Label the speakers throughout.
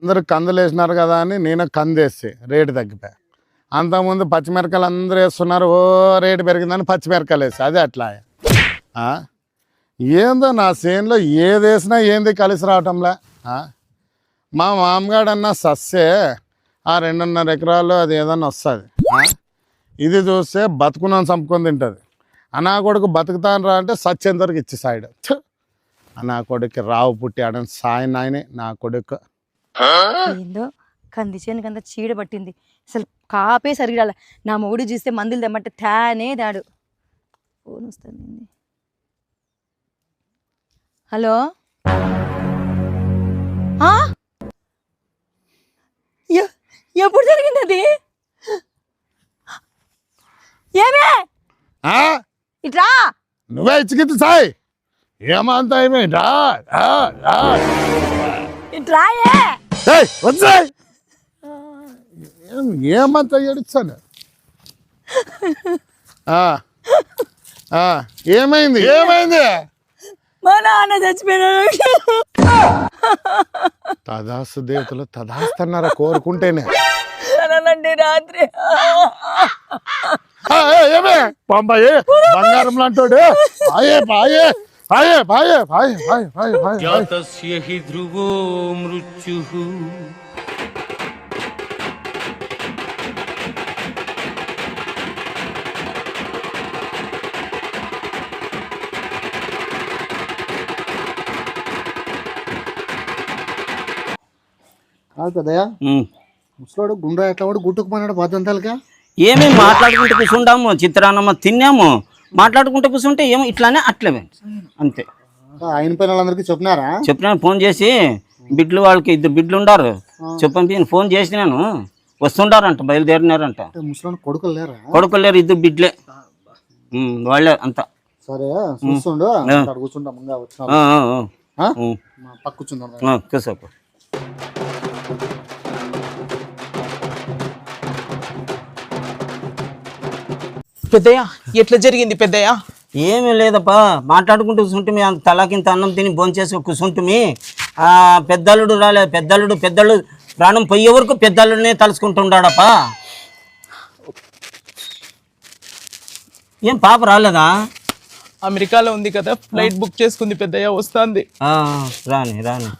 Speaker 1: అందరూ కందులు వేసినారు కదా అని నేను కంది వేస్తే రేటు తగ్గిపోయా. అంతకుముందు పచ్చిమిరకాయలు అందరూ వేస్తున్నారు, ఓ రేటు పెరిగిందని పచ్చిమిరకాయలు వేసి అదే అట్లా. ఏందో నా చేనులో ఏది వేసినా ఏంది కలిసి రావటంలే. మా మామగాడన్నా సస్సే ఆ 2.5 ఎకరాలు అది ఏదన్నా వస్తుంది. ఇది చూస్తే బతుకున్నాను చంపుకొని తింటుంది. నా కొడుకు బతుకుతాను రా అంటే సచ్చేంతవరకు ఇచ్చి సాయిడు. నా కొడుకు రావు పుట్టి ఆడని సాయి నాయనే నా కొడుకు.
Speaker 2: ఏందో కంది చేనుకి అంతా చీడ పట్టింది, అసలు కాపే సరిగ్గా. నా మొగుడు చూస్తే మందులు తెమ్మంటే తానే దాడు. ఫోన్ వస్తుంది. హలో, ఎప్పుడు జరిగింది అది? ఏమే ఇట్రా,
Speaker 1: నువ్వే ఇచ్చిగిద్దు సాయి. ఏమంతా ఏమే
Speaker 2: ఇట్రాయే
Speaker 1: వచ్చాయి. ఏమంతా ఏడుస్తాను. ఏమైంది ఏమైంది?
Speaker 2: మా నాన్న చచ్చిపోయినాడు.
Speaker 1: తదాస్తు దేవతలు తదాస్తన్నారా కోరుకుంటేనే.
Speaker 2: రాత్రి
Speaker 1: ఏమే పంబాయి బంగారం లాంటోడు. ఆయే పాయే పాయే పాయే పాయే పాయే పాయే పాయే
Speaker 3: జాతస్య హి ధ్రువో మృత్యుః
Speaker 4: కదయా. ముసలాడు గుండ్రా ఎట్లా వాడు గుట్టుకుపోయినాడు బాధ్యంతాలుగా.
Speaker 5: ఏమేమి మాట్లాడుకుంటూ కూర్చుంటాము, చిత్రాన్నమ్మ తిన్నాము, మాట్లాడుకుంటూ కూర్చుంటే ఏమో ఇట్లానే అట్లే అంతే.
Speaker 4: ఆయన పైన వాళ్ళందరికీ చెప్పినారా?
Speaker 5: చెప్పినాను, ఫోన్ చేసి బిడ్లు వాళ్ళకి 2 బిడ్లు ఉండారు చెప్పని ఫోన్ చేసినాను. వస్తుండారంట, బయలుదేరినారంట.
Speaker 4: ముసలాడు కొడుకులు లేరా?
Speaker 5: కొడుకులు లేరు, 2 బిడ్లే వాళ్ళే అంతా.
Speaker 4: సరే చూస్తుండు, కూర్చుంటా ముంగా వచ్చిన పక్క కూర్చుందా
Speaker 5: కూర్చోపు.
Speaker 6: పెద్దయ్య ఎట్లా జరిగింది పెద్దయ్య?
Speaker 5: ఏమీ లేదప్పా, మాట్లాడుకుంటూ కూర్చుంటే అంత తలాకింత అన్నం తిని భోంచేసి కూర్చుంటుమి. పెద్దల్లుడు రాలేదు. పెద్దళ్ళు ప్రాణం పోయే వరకు పెద్దల్లుడినే తలుచుకుంటుండాడప్పా. ఏం పాప రాలేదా?
Speaker 6: అమెరికాలో ఉంది కదా, ఫ్లైట్ బుక్ చేసుకుంది పెద్దయ్య, వస్తుంది.
Speaker 5: రాని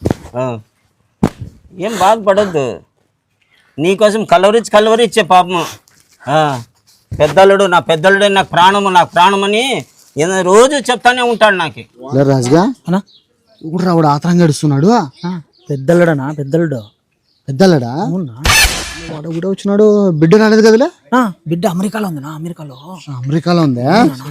Speaker 5: ఏం బాధపడద్దు, నీకోసం కలవరిచ్చే పాపము. పెద్దలుడు నా పెద్దలుడే నాకు ప్రాణమని రోజు చెప్తానే ఉంటాడు నాకు.
Speaker 4: రాజుగా ఇప్పుడు రావుడు ఆతరంగా గడుస్తున్నాడు.
Speaker 7: పెద్దలుడనా? పెద్దలుడా
Speaker 4: వాడు కూడా వచ్చినాడు. బిడ్డ రాలేదు కదలే?
Speaker 7: బిడ్డ అమెరికాలో ఉందినా?
Speaker 4: అమెరికాలో ఉందా?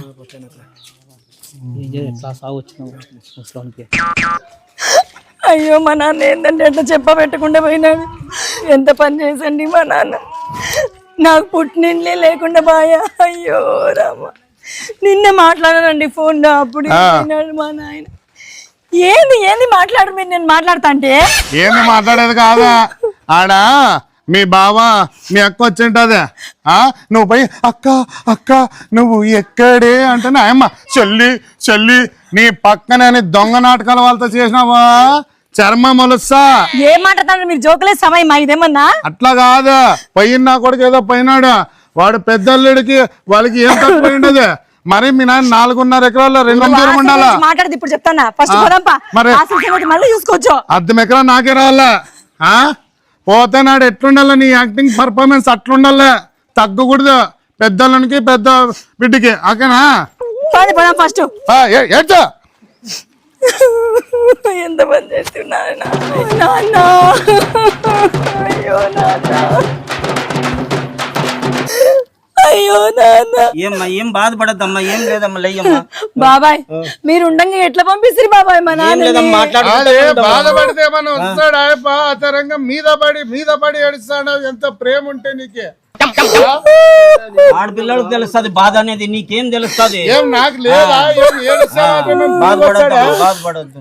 Speaker 7: ఎట్లా సాగు వచ్చిన.
Speaker 2: అయ్యో, మా నాన్న ఏంటంటే అట్లా చెప్పబెట్టకుండా పోయినాడు. ఎంత పని చేసండి మా నాన్న. నాకు పుట్టినిండ్లే లేకుండా బాయా. అయ్యో రామ, నిన్నే మాట్లాడానండి ఫోన్లో. అప్పుడు మా నాయన ఏంది మాట్లాడు. మీరు నేను మాట్లాడతా అంటే
Speaker 1: ఏంది మాట్లాడేది కాదా? ఆడ మీ బావ మీ అక్క వచ్చింటదే, నువ్వు పోయి అక్క నువ్వు ఎక్కడే అంటే అమ్మ చెల్లి నీ పక్కనే దొంగ నాటకాలు వాళ్ళతో చేసినావా చర్మ మొలుస్తా.
Speaker 2: ఏం మాట్లాడతాడు మీరు? జోకులే సమయం ఇదేమన్నా?
Speaker 1: అట్లా కాదు, పోయిన కొడుకు ఏదో పోయినాడు. వాడు పెద్దల్లుడికి వాళ్ళకి ఏం తక్కువ ఉండదు. మరి మీ నాయన 4.5 ఎకరాల్లో 2 దూరం ఉండాలా?
Speaker 2: మాట్లాడదు ఇప్పుడు చెప్తానా. ఫస్ట్ మళ్ళీ చూసుకోవచ్చు.
Speaker 1: 1/2 ఎకరం నాకే రావాలా? పోతే నాడు ఎట్లుండాలా? నీ యాక్టింగ్ పర్ఫార్మెన్స్ అట్లుండాలే, తగ్గకూడదు. పెద్దలకి పెద్ద బిడ్డకి ఓకేనా?
Speaker 2: ఫస్ట్ ఎంత పని చేస్తున్నా నాన్న. అయ్యో నాన్న.
Speaker 5: ఏం బాధపడద్దమ్మా, ఏం లేదమ్మా, లేయమ్మా.
Speaker 2: బాబాయ్ మీరు ఉండంగా ఎట్లా పంపిస్తారు బాబాయ్? మా నాన్న
Speaker 1: బాధపడితే మనం వస్తాడు ఆతరంగా మీద పడి ఏడుస్తాడు. ఎంత ప్రేమ ఉంటే నీకే.
Speaker 5: ఆడపిల్లలకు తెలుస్తుంది బాధ అనేది, నీకేం తెలుస్తుంది?
Speaker 1: ఏం నాకు లేదా?
Speaker 5: బాధపడద్దు.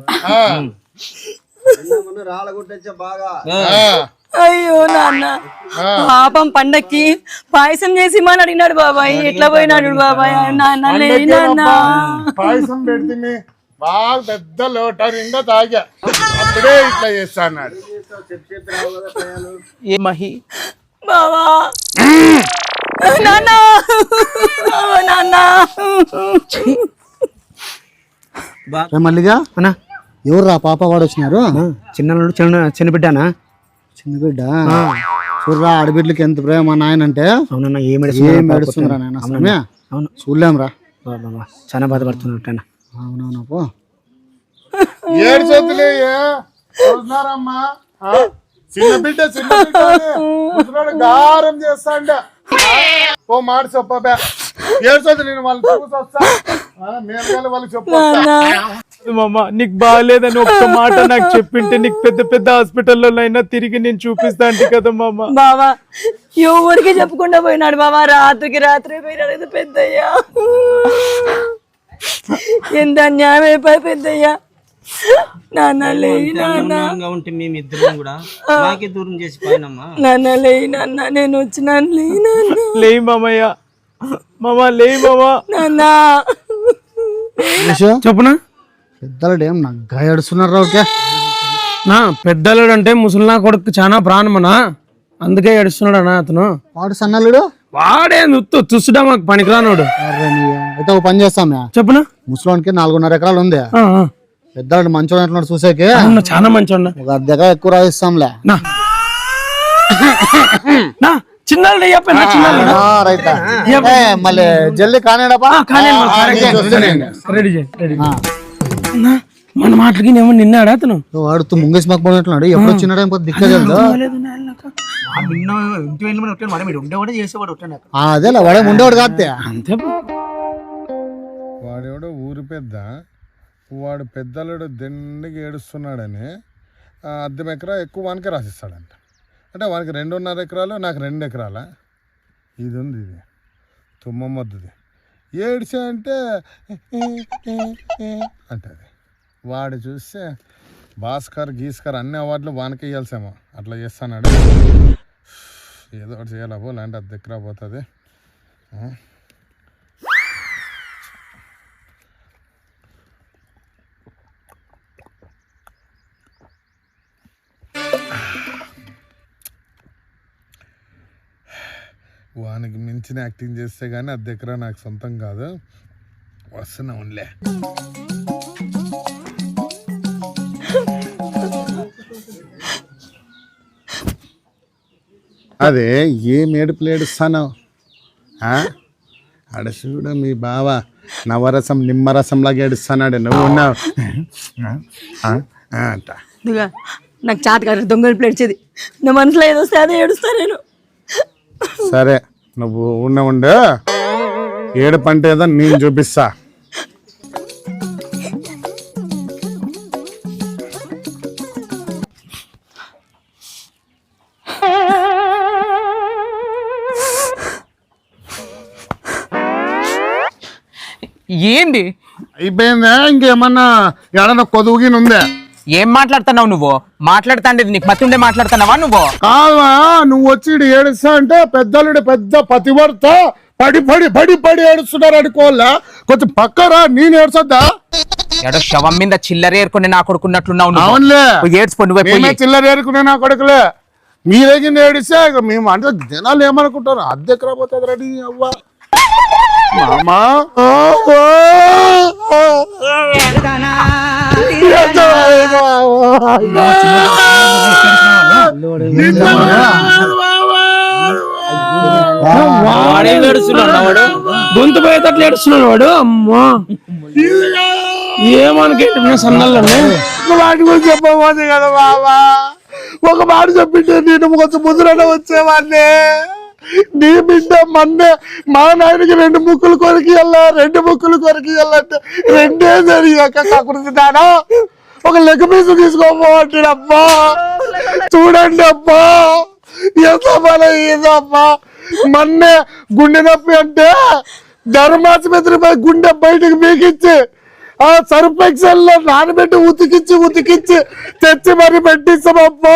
Speaker 2: అయ్యో నాన్న, పాపం పండక్కి పాయసం చేసి మని అడిగినాడు బాబాయ్. ఎట్లా పోయినాడు బాబాయ్?
Speaker 1: పాయసం పెడితే బాగా పెద్ద లోట నిండా తాగా అప్పుడే ఇట్లా చేస్తా అన్నాడు.
Speaker 6: ఏ మహి
Speaker 2: బావా నాన్న నాన్న
Speaker 4: మల్లిగా
Speaker 7: అన్నా
Speaker 4: ఎవరు రా పాప వాడు వచ్చినారు?
Speaker 7: చిన్నోడు చిన్న బిడ్డనా?
Speaker 4: చిన్న బిడ్డ చూడరా ఆడబిడ్డలకి ఎంత ప్రేమ నాయనంటే.
Speaker 7: అవునన్నా
Speaker 4: ఏం ఏడుస్తుందిరా నాయన సమయ
Speaker 7: అవును
Speaker 4: చూడలేంరా.
Speaker 7: చాలా బాధపడుతున్నట్టు.
Speaker 4: అవునవునా పో
Speaker 1: ఏడు చేతులే చూస్తున్నారమ్మా చిన్న బిడ్డ ముసలోడు గారం చేస్తాండ ఓ మాట చెప్పబే ఏడ్చొద్దు నేను వాళ్ళు చూసొస్తా మేము వాళ్ళు చెప్పొస్తా.
Speaker 6: మామ నీకు బాగాలేదని ఒక్క మాట నాకు చెప్పింటే నీకు పెద్ద పెద్ద హాస్పిటల్లో అయినా తిరిగి నేను చూపిస్తా అంటే కదా మామ.
Speaker 2: బావా ఎవరికి చెప్పకుండా పోయినాడు బావా, రాత్రికి రాత్రి పోయినాడు కదా పెద్దయ్యా. ఎంత అన్యాయం అయిపోయి పెద్దయ్యా. నాన్న లేయి నాన్న,
Speaker 5: అన్నంగా ఉంటే మేము ఇద్దరం కూడా మాకే దూరం చేసి పోయినమ్మా.
Speaker 2: నాన్న లేయి నాన్న, నేను వచ్చినాను లేయి నాన్న.
Speaker 6: లేయి మామయ్య, మామ లేయి మామ.
Speaker 2: నాన్న
Speaker 7: చెప్పునా
Speaker 4: పెద్దలు ఏం నగ్గా ఏడుస్తున్నారు ఓకే.
Speaker 7: నా పెద్దలుడు అంటే ముసలినా కొడుకు చాలా ప్రాణమనా, అందుకే ఏడుస్తున్నాడు అన్న అతను.
Speaker 4: వాడు సన్నల్లుడు
Speaker 7: వాడే తుస్సుడా మాకు పనికిరానోడు.
Speaker 4: అయితే ఒక పని చేస్తాం
Speaker 7: చెప్పునా.
Speaker 4: ముసలోనికి 4.5 ఎకరాలు ఉంది. పెద్దవాడు మంచోడు అంటున్నాడు చూసేకి.
Speaker 7: చాలా మంచి
Speaker 4: ఒక అర్ధ ఎకరా ఎక్కువ రాయిస్తాంలే.
Speaker 7: చిన్నాడు
Speaker 4: రైతా మళ్ళీ జల్దీ కానేడపా
Speaker 7: రెడీ రెడీ. మన మాటలకి ఏమో నిన్నాడా అతను?
Speaker 4: వాడుతూ ముంగేసి మాకు పోయినట్లున్నాడు. ఎప్పుడు వచ్చినాడు దిక్కలేదు. అదేలా వాడే ఉండేవాడు కాదే.
Speaker 7: అంతే
Speaker 1: వాడెవడో ఊరి పెద్ద, వాడు పెద్దలుడు దండిగా ఏడుస్తున్నాడని 1/2 ఎకరా ఎక్కువ వానికి రాసిస్తాడంట. అంటే వానికి 2.5 ఎకరాలు, నాకు 2 ఎకరాల. ఇది ఉంది, ఇది తుమ్మమ్మద్దుది. ఏడ్చా అంటే అంటది. వాడు చూస్తే భాస్కర్ గీస్కర్ అన్ని అవార్డులు వానికి ఇవ్వాల్సేమో అట్లా చేస్తున్నాడు. ఏదో ఒకటి చేయాలా పో, లేదంటే 1/2 ఎకరా పోతుంది. వానికి మించిన యాక్టింగ్ చేస్తే కానీ 1/2 ఎకరా నాకు సొంతం కాదు. వస్తున్నా ఉండలే. అదే ఏం ఏడుపులు ఏడుస్తాను అడసూడ మీ బావ నవరసం నిమ్మరసంలాగా ఏడుస్తానాడు. నువ్వు ఉన్నావు అంట.
Speaker 2: నాకు చాత కాదు దొంగలు ప్లేడ్చేది. నా మనసులో ఏదో వస్తే అదే ఏడుస్తా నేను.
Speaker 1: సరే నువ్వు ఉండు, ఏడుపు అంటే ఏదో నేను చూపిస్తా.
Speaker 6: ఏంది
Speaker 1: అయిపోయిందా? ఇంకేమన్నా ఏడన్నా కొదువుగిన ఉందా?
Speaker 6: ఏం మాట్లాడుతున్నావు నువ్వు? మాట్లాడుతాండేది నీకు మతి ఉండే మాట్లాడుతున్నావా నువ్వు?
Speaker 1: కావా నువ్వు వచ్చి ఏడుస్తా అంటే పెద్దలుడు పెద్ద పతివర్త పడి పడి పడి పడి ఏడుస్తున్నారు అనుకోవాలా? కొంచెం పక్కరా, నేను ఏడ్చొద్దా?
Speaker 6: ఎడో శవం మీద చిల్లర ఏరుకుని నా కొడుకున్నట్లున్నావు.
Speaker 1: అవునులే,
Speaker 6: ఏడ్చుకో నువ్వే.
Speaker 1: చిల్లర ఏరుకునే నా కొడుకులే. మీరేగి ఏడిస్తే మేము అంటే జనాలు ఏమనుకుంటారు? 1/2 ఎకరా పోతుంది రెడీ అవ్వ మామా.
Speaker 7: గొంతు పోయేటట్లు ఏడుస్తున్నాడు వాడు. అమ్మా ఏమనుకే సన్నల్లోనే
Speaker 1: వాటి గురించి చెప్పబోతుంది కదా బాబా. ఒక మాట చెప్పింటే నేను కొంచెం ముద్రలో వచ్చేవాడిని. నీ బిడ్డ మన్నే మా నాయనకి 2 ముక్కులు కొరికి వెళ్ళా, 2 ముక్కులు కొరికి వెళ్ళంటే 2 జరిగాక కాకూడదు దానా. ఒక లెగ్ పీస్ తీసుకోపోవట్లేదు అబ్బా. చూడండి అబ్బా ఎంత బల ఏదమ్మా. మన్నే గుండె నొప్పి అంటే ధర్మాసుపత్రిపై గుండె బయటకు మీకిచ్చి ఆ సర్ఫెక్సల్లో నానబెట్టి ఉతికిచ్చి తెచ్చి మరి పెట్టిస్తామబ్బా.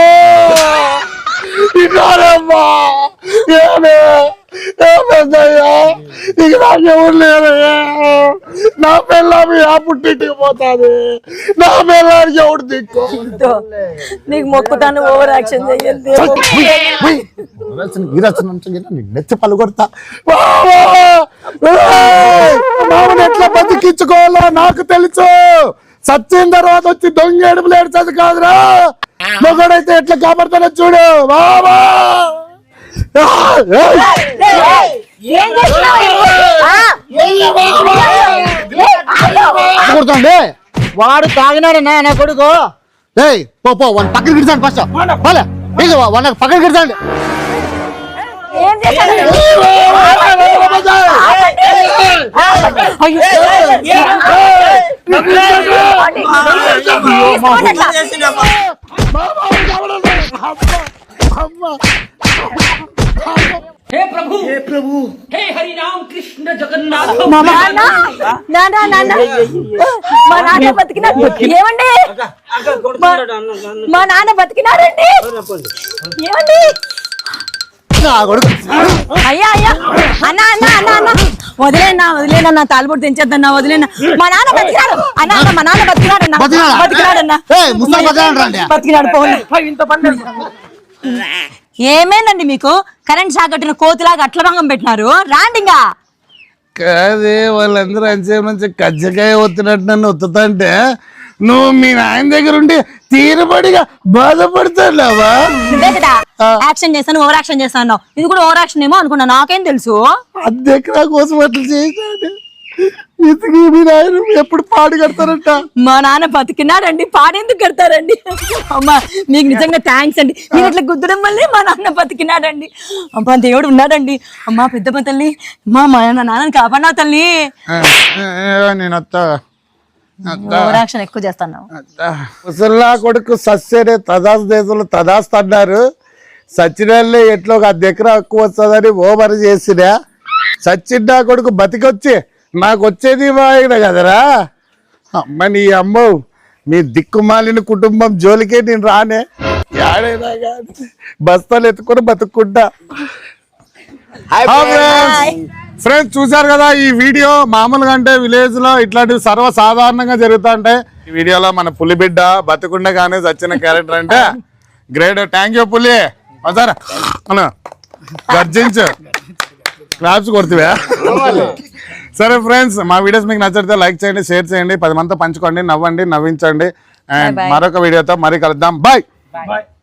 Speaker 1: ఇన్నారమ్మా ఏమేదయ్యా ఇక నాకెవరు లేరయ్యా. నా పిల్లమి ఆ పుట్టింటికి పోతాది, నా పిల్లానికి ఎవడు దిక్కు.
Speaker 2: నీకు మొక్కుతాను, ఓవర్ యాక్షన్ చెయ్యద్దు.
Speaker 1: నెచ్చి పలుకొడతా. మామని ఎట్లా బతికించుకోవాలో నాకు తెలుసు. సచ్చిన తర్వాత వచ్చి దొంగ ఏడుపులు ఏడ్చదు కాదురా. మొగడైతే ఎట్లా కాపాడుతానో చూడు బాబా.
Speaker 4: కొడుకోండి వాడు తాగినాడు నా కొడుకు. ఏయ్ పో పో వాడిని పక్కన గిడిచాను ఫస్ట్. వాడిని పక్కన గిడిచాండి.
Speaker 2: ఏం చేశాడు?
Speaker 3: हे प्रभु हे हरि राम कृष्ण जगन्नाथ
Speaker 2: మా నాన్న బతికినాడు. ఏమండి మా నాన్న బతికినారండి. ఏమండి అయ్యా అయ్యా అన్న అన్న అన్న అన్న వదిలేనా నా తాలిబొట్టు తెంచేద్దన్నా వదిలేనా. మా నాన్న బతికినాడు అన్న అన్న మా నాన్న బతికినాడన్నా బతికినాడు పోలే. ఏమేనండి మీకు కరెంట్ షాక్ కట్టిన కోతిలాగా అట్ల రంగం పెట్టినారు. రాండిగా
Speaker 1: కాదే వాళ్ళందరూ అంచే మంచి కజ్జకాయ ఒత్తినట్టు నన్ను ఒత్తుతంటే నువ్వు మీ నాయన దగ్గర ఉండి తీరబడిగా బాధపడతావా?
Speaker 2: నువ్వే కదా యాక్షన్ చేస్తాను, ఓవర్ యాక్షన్ చేస్తాను. ఇది కూడా ఓవర్ యాక్షన్ ఏమో అనుకున్నా, నాకేం తెలుసు.
Speaker 1: అద్దెకరా కోసం అట్లా చేశాడు. ఇతకి మీ నాయన ఎప్పుడు పాడు కడతారంట.
Speaker 2: మా నాన్న బతికినాడండి, పాడేందుకు కడతారండి. అమ్మా మీకు నిజంగా థ్యాంక్స్ అండి. మీరు ఇట్లా గుద్దడం వల్లే మా నాన్న బతికినాడండి. అమ్మా దేవుడు ఉన్నాడండి. అమ్మా పెద్దమ్మ తల్లి, మా నాన్నని కాపాడినా తల్లి.
Speaker 1: నేను
Speaker 2: ఓవర్ యాక్షన్ ఎక్కువ చేస్తాను.
Speaker 1: ముసల్లా కొడుకు సస్యనే తదాస్ దేశంలో తదాస్తు అన్నారు. సచ్చినల్లే ఎట్లా ఒక అద్దెకరా ఎక్కువ వస్తుందని ఓవర్ చేసినా. సచ్చిన్ నా కొడుకు బతికొచ్చి నాకు వచ్చేది వాయిన కదరా. అమ్మ నీ అమ్మ మీ దిక్కుమాలిన కుటుంబం జోలికే నేను రానే. ఆడైనా కానీ బస్తాలు ఎత్తుకొని బతుక్కుంటా. ఫ్రెండ్స్ చూసారు కదా ఈ వీడియో. మామూలుగా అంటే విలేజ్ లో ఇట్లాంటివి సర్వసాధారణంగా జరుగుతూ ఉంటాయి. ఈ వీడియోలో మన పులిబిడ్డ బతుకుండే కానీ వచ్చిన క్యారెక్టర్ అంటే గ్రేట్. థ్యాంక్ యూ పులి. సార్ మన గర్జించు క్లాప్స్ కొడుతువా. సరే ఫ్రెండ్స్, మా వీడియోస్ మీకు నచ్చితే లైక్ చేయండి, షేర్ చేయండి, 10 మందితో పంచుకోండి, నవ్వండి, నవ్వించండి. అండ్ మరొక వీడియోతో మరీ కలుద్దాం. బాయ్.